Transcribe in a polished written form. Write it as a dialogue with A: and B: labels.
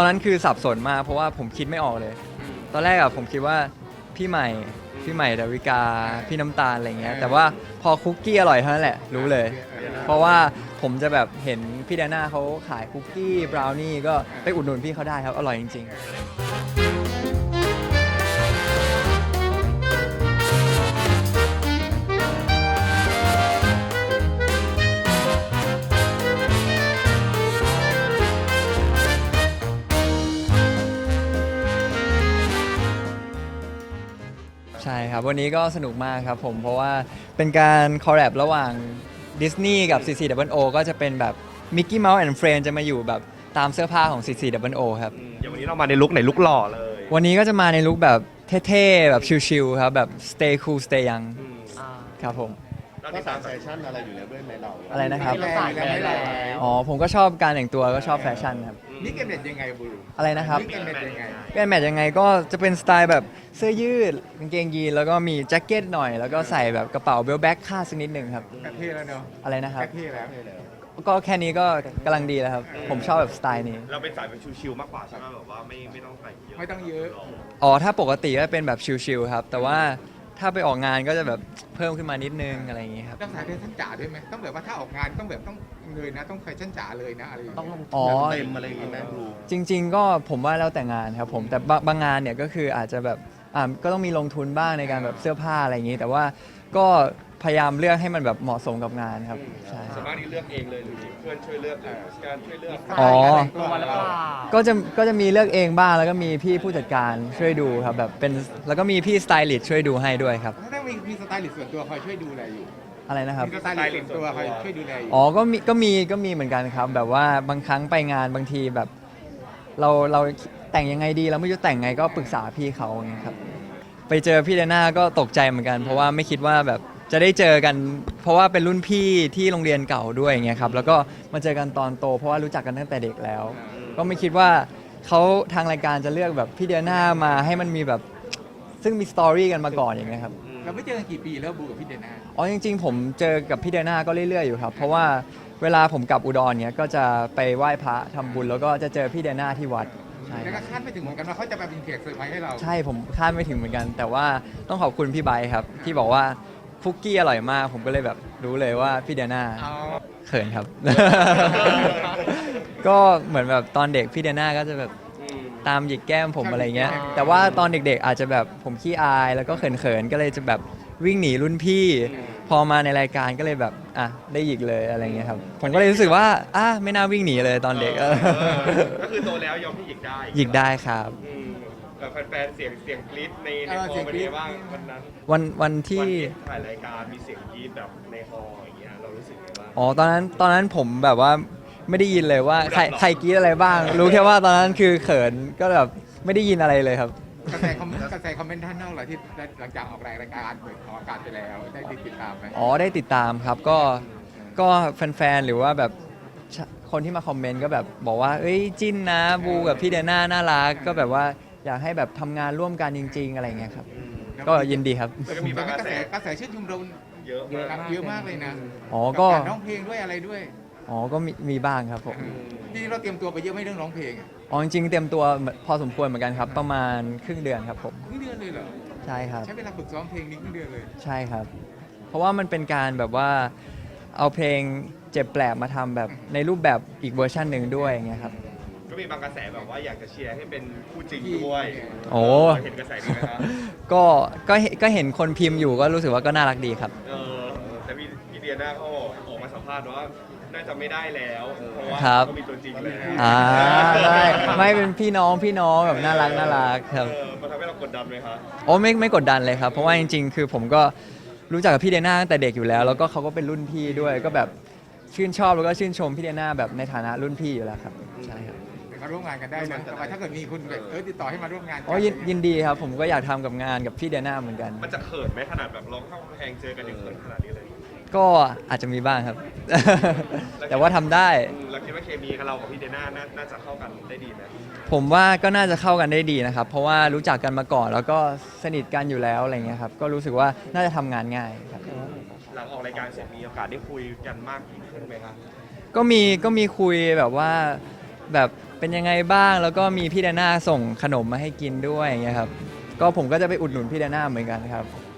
A: อนนั้นคือสับสนมากเพราะว่าผมคิดไม่ออกเลย ตอนแรกอะผมคิดว่าพี่ใหม่ดาวิกาพี่น้ำตาลอะไรเงี้ยแต่ว่าพอคุกกี้อร่อยเท่านั้นแหละรู้เลย เพราะว่าผมจะแบบเห็นพี่ดาน่าเขาขายคุกกี้บราวนี่ก็ไปอุดหนุนพี่เขาได้ครับอร่อยจริงๆใช่ครับวันนี้ก็สนุกมากครับผมเพราะว่าเป็นการคอลแลบระหว่างดิสนีย์กับ CCOO ก็จะเป็นแบบ Mickey Mouse and Friends จะมาอยู่แบบตามเสื้อผ้าของ CCOO ครับ
B: อย่างวันนี้เรามาในลุคไหนลุคหล่อเลย
A: วันนี้ก็จะมาในลุคแบบเท่ๆแบบชิลๆครับแบบ stay cool stay young ครับผม
B: เรา
C: ก็
B: ติด
C: สา
B: ตาม
C: ยแฟชั่นอะไรอยู่แล้วด้วยไหมเรา
A: อะไรนะครับ
C: แรงแล้วไม่แรง
A: อ๋อผมก็ชอบการแต่งตัวก็ชอบแฟชั่นครับ
C: นี่เกมเด็ดยังไงบู
A: อะไรนะครับ
C: นี่เกมเด็ดยังไง
A: เป็นแมทยังไงก็จะเป็นสไตล์แบบเสื้อยืดกางเกงยีนแล้วก็มีแจ็คเก็ตหน่อย แล้วก็ใส่แบบกระเป๋าเบลแบ็คคาดสักนิดหนึ่งครับ
C: กระเทแล้วเนาะ
A: อะไรนะครับ
C: กระเทแล้ว
A: ก็แค่นี้ก็กำลังดีแล้วครับ ผมชอบแบบสไตล์นี้
B: เราเป็นสายแบบชิวๆมากกว่าใช่ไหมแบบว่าไม่ต้องแต่งเยอะ
C: ไม่ต้องเยอะ
A: อ๋อถ้าปกติก็เป็นแบบชิลๆครับ แต่ว่าถ้าไปออกงานก็จะแบบเพิ่มขึ้นมานิดนึงอะไรอย่างงี้ครับ
C: ต้องสายแฟชั่นจ๋าด้วยไหมต้องแบบว่าถ้าออกงานต้องแบบต้องเลยนะต้องแฟชั่นจ๋าเลยนะอะไรอย่างเงี้ย
B: ต้องลง
A: อ๋อ
B: เต็มอะไรอย่างงี้ไหมครู
A: จริง ๆ ก็ผมว่าแล้วแต่งานครับผมแต่บางงานเนี่ยก็คืออาจจะแบบก็ต้องมีลงทุนบ้างในการแบบเสื้อผ้าอะไรอย่างงี้ แต่ว่าก็พยายามเลือกให้มันแบบเหมาะสมกับงานครับใช่
B: ส่วนมากนี่เลือกเองเลยหรือเพื่อนช่วยเลือกหรือการช่วยเลือก
A: อ๋อ
C: ตัวแล้วก็
A: ก็จะมีเลือกเองบ้างแล้วก็มีพี่ผู้จัดการช่วยดูครับแบบเป็นแล้วก็มีพี่สไตลิสต์ช่วยดูให้ด้วยครับ
C: ถ้ามีสไตลิสต์ส่วนตัวคอยช่วยดูแลอยู่
A: อะไรนะครับ
C: มีสไตลิสต์ส่วนตัวคอยช่วยดูแลอยู่
A: อ๋อก็มีเหมือนกันครับ แบบว่าบางครั้งไปงานบางทีแบบเราแต่งยังไงดีเราไม่รู้จะแต่งไงก็ปรึกษาพี่เขาอย่างเงี้ยครับไปเจอพี่เดน่าก็ตกใจเหมือนกัน เพราะว่าไม่คิดว่าแบบจะได้เจอกัน เพราะว่าเป็นรุ่นพี่ที่โรงเรียนเก่าด้วยอย่างเงี้ยครับแล้วก็มาเจอกันตอนโต เพราะว่ารู้จักกันตั้งแต่เด็กแล้ว ก็ไม่คิดว่าเขาทางรายการจะเลือกแบบพี่เดน่ามาให้มันมีแบบซึ่งมีสตอรี่กันมาก่อนอย่างเงี้ยครับ
C: เราไม่เจอกันกี่ปีแล้วบูกับพี่เดน่า
A: อ๋อจริงๆผมเจอกับพี่เดน่าก็เรื่อยๆอยู่ครับเพราะว่าเวลาผมกลับอุดรเนี้ยก็จะไปไหว้พระทำบุญแล้วก็จะเจอพี่เดน่าที่วัดใช่
C: แล้ว
A: ค
C: ก็
A: รับ
C: คาดไม่ถึงเหมือนกันว่าเขาจะมาเป็นแขกเซอร์ไพรส์ให้เรา
A: ใช่ผมคาดไม่ถึงเหมือนกัน แต่ว่าต้องขอบคุณพี่ไบร์ทครับที่บอกว่าคุกกี้อร่อยมากผมก็เลยแบบรู้เลยว่าพี่เดน่า
C: เอา
A: เขินครับ ก็เหมือนแบบตอนเด็กพี่เดน่าก็จะแบบตามหยิกแก้มผมอะไรเงี้ยแต่ว่าตอนเด็กๆอาจจะแบบผมขี้อายแล้วก็เขินๆก็เลยจะแบบวิ่งหนีรุ่นพี่ พอมาในรายการก็เลยแบบได้หยิกเลยอะไรเงี้ยครับผมก็เลยรู้สึกว่าไม่น่าวิ่งหนีเลยตอนเด็ก
B: ก็คือโตแล้วยอมที่หยิกได้
A: หยิกได้ครับ
B: แต่แฟนๆเสียงกรี๊ดในฮอลล์เป็นไงบ้างวันนั้น
A: วันที่
B: ถ่ายรายการมีเสียงกรี๊ดแบบในฮอลล์อย่างเงี้ยเรารู้สึกไงบ้าง
A: อ๋อตอนนั้นผมแบบว่าไม่ได้ยินเลยว่าใคร
B: หรอ
A: ใครกรี๊ดอะไรบ้าง รู้แค่ว่าตอนนั้นคือเขินก็แบบไม่ได้ยินอะไรเลยครับ
C: กระแสคอมเมนต์ด้านนอกเหรอที่หลังจากออกรายการเปิดออกอากาศไปแล้วได้ติดตามไหม
A: อ๋อได้ติดตามครับก็แฟนๆหรือว่าแบบคนที่มาคอมเมนต์ก็แบบบอกว่าเอ้ยจิ้นนะบูกับพี่เดน่าน่ารักก็แบบว่าอยากให้แบบทำงานร่วมกันจริง ๆ อะไรเงี้ยครับก็ยินดีครับ
B: แล้วก็มีบางกระแส
C: กระแสชื่นชมเรา
B: เยอะมาก
C: เยอะมากเลยนะ
A: อ๋อก็
C: การร้องเพลงด้วยอะไรด้วย
A: อ๋อก็มีบ้างครับผม
C: ที่เราเตรียมตัวไปเยอะไหม่เรื่องร้องเพลง
A: อ๋อจริงๆเตรียมตัวพอสมควรเหมือนกันครับ ประมาณครึ่งเดือนครับผม
C: ครึ่งเดือนเลยเหรอ
A: ใช่ครับ
C: ใช้เวลาฝึกซ้อมเพลงนี้ครึ่งเดือนเลย
A: ใช่ครับ เพราะว่ามันเป็นการแบบว่าเอาเพลงเจ็บแปลกมาทำแบบในรูปแบบอีกเวอร์ชันหนึ่งด้วยอย่างเงี้ยครับ
B: ก็มีบางกระแสแบบว่าอยากจะเชียร์ให้เป็นคู่จริงด้วย
A: โอ้
B: เห็นกระแสนี้ไหมครับ
A: ก็เห็นคนพิมพ์อยู่ก็รู้สึกว่าก็น่ารักดีครับ
B: แต่พี่เดียน่าเขาออกมาสัมภาษณ์ว่าน่าจะไม่ได้แล้ว เพราะว่า
A: ครับ
B: เขามีตัวจริงแล้ว
A: ได้ไม่เป็นพี่น้องแบบน่ารักครับ
B: มันทำให้เรากดดันไหมครับ
A: โอ้ไม่กดดันเลยครับ เพราะว่าจริงๆ คือผมก็รู้จักกับพี่เดน่าตั้งแต่เด็กอยู่แล้ว แล้วก็เขาก็เป็นรุ่นพี่ด้วยก็แบบชื่นชอบแล้วก็ชื่นชมพี่เดน่าแบบในฐานะรุ่นพี่อยู่แล้วครับใช่ครับ
C: มาร่วมงานกันได้นะแต่ว่าถ้าเกิดมีคุณแบบติดต่อให้มาร่วมงานกั
A: อ๋อยินดีครับผมก็อยากทำกับงานกับพี่เดน่าเหมือนกัน
B: มันจะเขินไหมขนาดแบบร้องเข้ากำแพงเจอกันยังเขินขนาดนี้เลย
A: ก็อาจจะมีบ้างครับ แต่ว่าทำได้
B: เราคิดว่าเคมีกับเรากับพี่เดน่าน่าจะเข้ากันได้ดีไหม
A: ผมว่าก็น่าจะเข้ากันได้ดีนะครับ เพราะว่ารู้จักกันมาก่อนแล้วก็สนิทกันอยู่แล้วอะไรเงี้ยครับก็รู้สึกว่าน่าจะทำงานง่ายครับ
B: หลังออกรายการเสร็จมีโอกาสได้คุยกันมากขึ้นไหมครับ
A: ก็มีคุยแบบว่าแบบเป็นยังไงบ้างแล้วก็มีพี่แดน่าส่งขนมมาให้กินด้วยอย่างเงี้ยครับก็ผมก็จะไปอุดหนุนพี่แดน่าเหมือนกันครับ